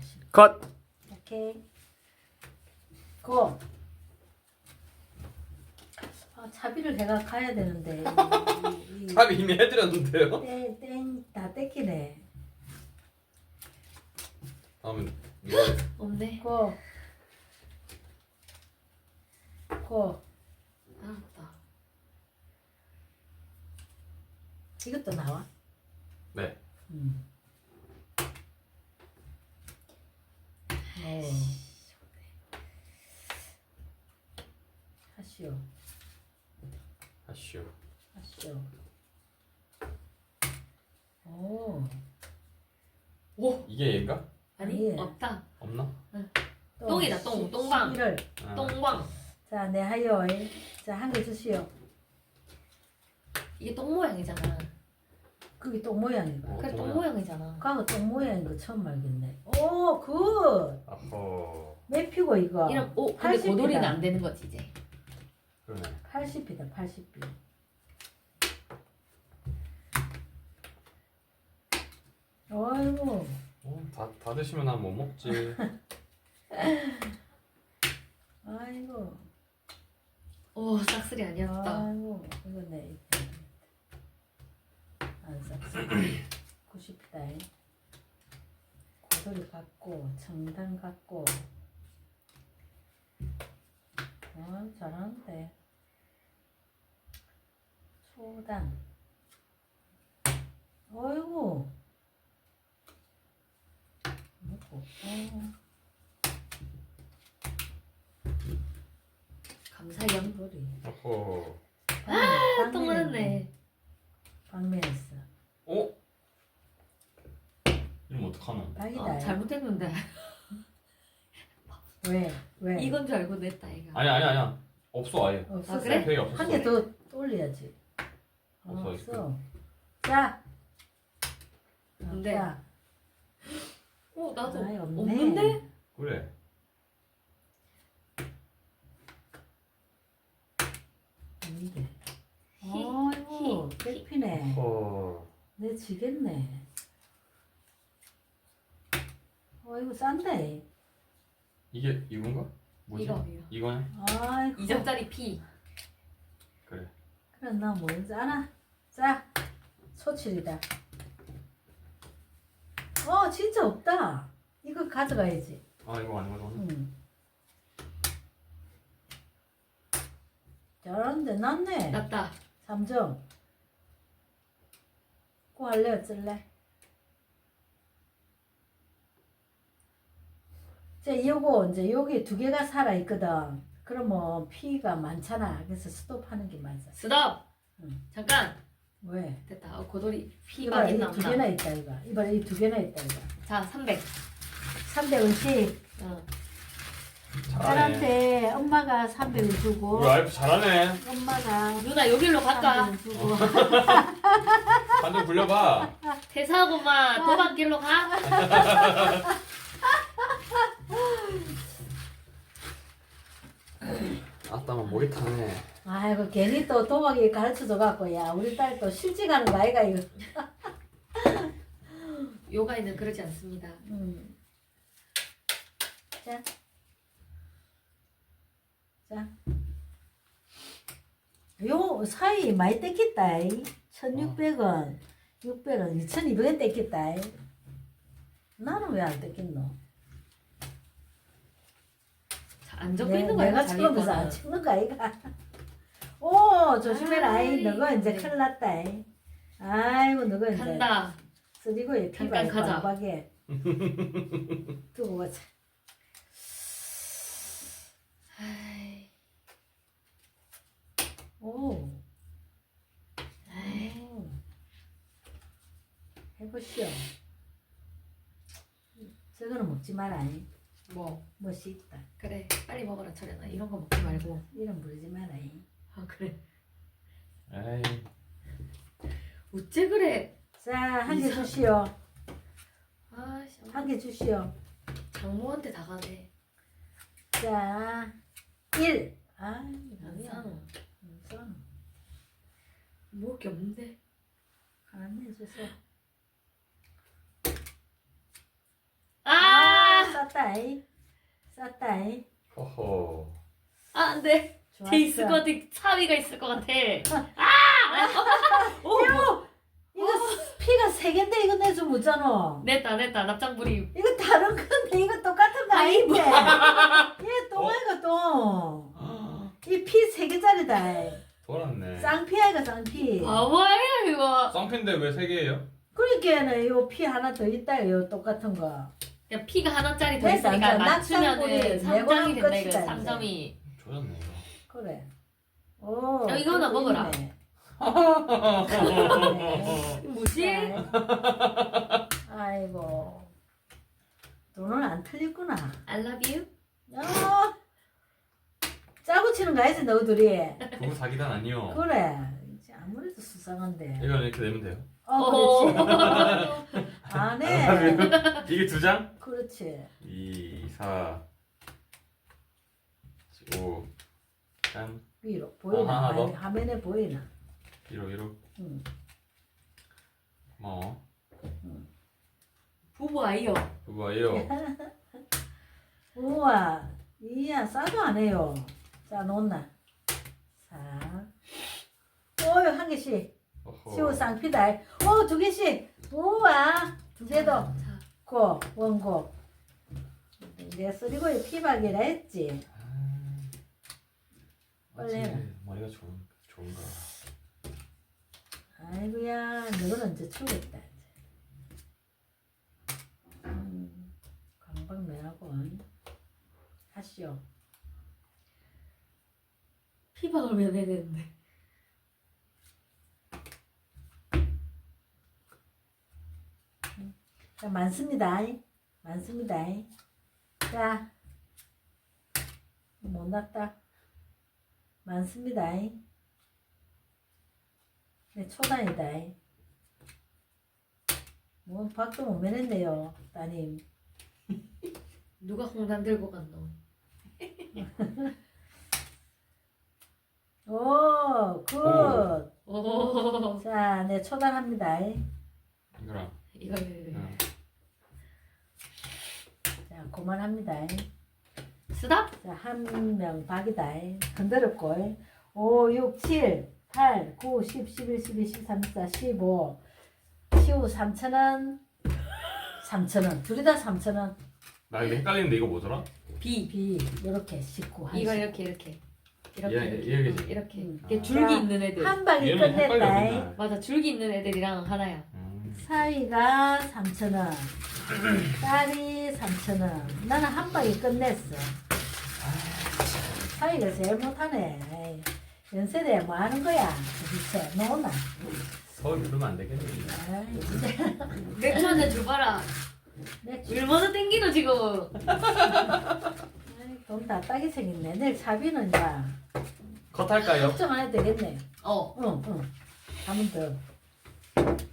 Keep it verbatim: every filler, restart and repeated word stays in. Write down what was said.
컷. 오케이. 고. 아, 차비를 내가 가야 되는데. 이, 이, 답 이미 해드렸는데요. 땡, 땡, 다 뺏기네. 다음은 누가 해? 없네. 고. 고. 아, 맞다. 이것도 나와? 네. 음. 오. 하시오. 하시오. 하시오. 오. 오, 이게 얘인가? 아니 아니에요. 없다. 없나? 또 똥이다, 똥, 시- 똥방. 십일월. 아. 똥광. 자, 네 하요. 자, 한 개 주시오. 이게 똥 모양이잖아. 그게 똥 모양이가. 어, 그래 똥 똥 모양. 모양이잖아. 과거 똥 모양인 거 처음 알겠네. 오, 굿. 아허. 매피고 이거. 이런 오, 근데 팔십 이다. 고돌이는 안 되는 거지 이제. 그러네. 팔십이다, 팔십 비. 아이고. 어, 다, 다 드시면 난 못 먹지. 아이고. 오, 싹쓸이 아니었다. 아이고. 이거 내. 안 쌌어. 구십이다. 고돌이 갖고, 청단 갖고. 아, 잘하는데. 초단. 어이구. 먹고. 어, 감사염. 고돌이. 어허. 아, 똥 맞았네. 방면했어. 어? 이러면 어떡하노? 박이다. 아, 잘못했는데. 왜? 왜? 이건 줄 알고 냈다 이거. 아니 아니 아니야. 없어 아예. 없었어. 아, 그래? 되게 없었어. 한 개 더 올려야지. 없어, 없어. 자. 근데 자. 어, 나도 아이, 없네. 없는데? 그래. 없는데. 히, 아이고, 히, 백피네. 어. 내 지겠네. 아이고, 싼데. 이게 이건가? 뭐지? 이거 이거. 이거네. 아이고. 이 점짜리 P. 그래. 그래, 나 뭔지 알아? 자. 소칠이다. 어, 진짜 없다. 이거 가져가야지. 아 이거 아니거든. 응. 잘하는데 낫네. 났다. 삼 점. 꼭 할래 어쩔래? 이제 요거 이제 여기 두 개가 살아 있거든. 그러면 피가 많잖아. 그래서 스톱하는 게 맞아. 스톱. 응. 잠깐. 왜? 됐다. 어, 고돌이 P 이봐라 막 있나 이두 보다. 개나 있다 이거. 이봐라 이 두 개나 있다 이거. 자, 삼백. 삼백원씩. 어. 잘하네. 딸한테 엄마가 삼백을 주고 우리 와이프 잘하네. 엄마가 누나 여기로 갈까? 삼백을 주고. 한점 굴려봐. 퇴사하고만 도박길로 가. 아따만 목이 타네. 아이고 괜히 또 도박이 가르쳐줘 갖고 야 우리 딸 또 실직하는 거 아이가 이거. 요가에는 그러지 않습니다. 음. 자. 자. 요 사이 많이 떼겠다. 천육백 원, 육백 원, 이천이백 원 떼겠다. 나는 왜 안 떼겠노? 자, 안 적혀 내- 있는 거야. 내가 자기 처음에서 안 거는. 찍는 거 아이가? 오 조심해라. 아이 아이, 너가 이제 네. 큰일 났다. 아이고 너가 이제 간다. 쓰리고에 잠깐 피가 가자. 빵빵해. 두고 가자. 아이, 오. 아이. 오. 해보시오. 저거는 먹지 마라. 뭐 멋이 있다. 그래 빨리 먹어라 철현아. 이런 거 먹지 말고. 이름 부르지 마라. 아 그래. 에이. 어째 그래. 자, 한 개 이상- 주시오. 아씨. 한 개 주시오. 장모한테 다 가네. 자, 일. 아, 안 뭐야. 사노. 안 사노. 먹을 게 없는데. 안 해줘서. 아! 쌌다이. 쌌다이. 허허. 아 안돼. 좋았어. 쟤 있을 것 같아. 사위가 있을 것 같아. 오. 이거 이거 피가 세 개인데 이거 내줘 못잖아. 냈다 냈다 납작부리. 이거 다른 건데 이거 똑같은 거 아닌데. 얘 똥아이가 똥. 이 피 세 개짜리다. 돌았네. 쌍피아이가 쌍피. 바보야 이거. 쌍핀데 왜 세 개예요? 그러니까는 이거 피 하나 더 있다 이거 똑같은 거. 야 피가 하나짜리 더 됐어, 있으니까 이제 맞추면은 낙장불이 삼 점이 내고는 된다 이거. 끝이다, 삼 점이. 조졌네 이거. 그래. 오. 야, 이거 하나 그것도 먹어라. 있네. 네. 뭐지? 네. 아이고. 돈은 안 틀렸구나. I love you. 어. 짜고 치는 거 알지 너희들이. 부부 사기단 아니요. 그래. 이제 아무래도 수상한데. 이건 이렇게 내면 돼요. 어, 그렇지. 안 해. 이게 두 장? 그렇지. 이, 사, 오, 짠. 위로 보이나? 아, 하나 더? 아니, 화면에 보이나? 이로 이로. 응. 고마워. 부부 아이요. 부부 아이요. 우와, 이야 싸도 안 해요. 자 놓나. 자, 오유 한 개씩. 어허. 시우 쌍피다. 오 두 개씩. 우와, 두 개도. 자, 고 원고. 내가 쓰리고에 피박이라 했지. 맞지. 원래는. 머리가 좋은 좋은가. 아이고야, 너는 언제 추겠다. 이제. 음, 강박매하고 하시오. 피박을 왜 내야 되는데? 자, 많습니다. 많습니다. 자, 못 났다. 많습니다. 네, 초단이다. 뭐, 밖도 못 매냈네요, 따님. 누가 홍단 들고 갔노? 오, 굿. 오. 자, 네, 초단합니다. 이거랑. 이거 이거 이거. 응. 자, 그만합니다. 스탑? 자, 한 명 박이다. 흔들었고. 오, 육, 칠, 팔, 구, 십, 십일, 십이, 십삼, 십사, 십오. 십오, 삼천 원. 삼천 원. 둘이 다 삼천 원. 나 이거 헷갈리는데 이거 뭐더라? B. B, 요렇게 십구, 한 이거 십. 이렇게 이렇게. 이렇게 예, 이렇게. 이해겠지. 이렇게. 음. 이렇게 아. 줄기 자, 있는 애들. 한 방이 얘는 헷갈려 끝냈다. 맨날. 맞아 줄기 있는 애들이랑 하나야. 음. 사위가 삼천 원. 딸이 삼천 원. 나는 한 방이 끝냈어. 사위가 제일 못하네. 에이, 연세대 뭐 하는 거야? 도대체 너나. 서울 부르면 안 되겠네. 아이, 진짜. 맥주 한잔 줘봐라. 내 얼마나 땡기노 지금. 돈 다 따게 생겼네. 내일 차비는 이제 컷 할까요? 걱정 안 해도 되겠네. 어. 응, 응. 한번 더.